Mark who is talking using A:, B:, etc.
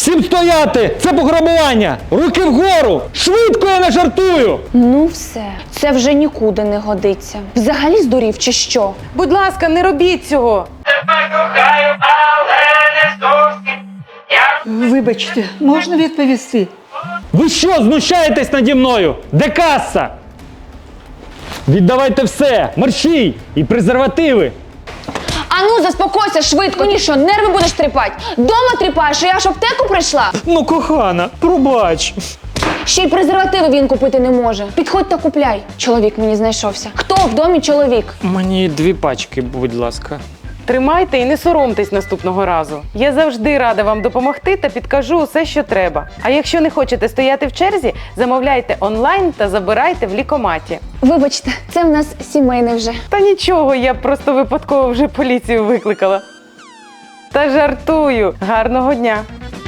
A: Всім стояти! Це пограбування! Руки вгору! Швидко, я не жартую!
B: Ну все, це вже нікуди не годиться. Взагалі здурів чи що?
C: Будь ласка, не робіть цього.
D: Вибачте, можна відповісти?
A: Ви що, знущаєтесь наді мною? Де каса? Віддавайте все! Марші! І презервативи!
B: Ану, заспокойся швидко. Ні, що, нерви будеш тріпати? Дома тріпаєш, а я ж в аптеку прийшла?
A: Ну, кохана, пробач!
B: Ще й презервативи він купити не може. Підходь та купляй. Чоловік мені знайшовся. Хто в домі чоловік?
E: Мені 2 пачки, будь ласка.
C: Тримайте і не соромтесь наступного разу. Я завжди рада вам допомогти та підкажу усе, що треба. А якщо не хочете стояти в черзі, замовляйте онлайн та забирайте в лікоматі.
B: Вибачте, це в нас сімейний вже.
C: Та нічого, я просто випадково вже поліцію викликала. Та жартую. Гарного дня!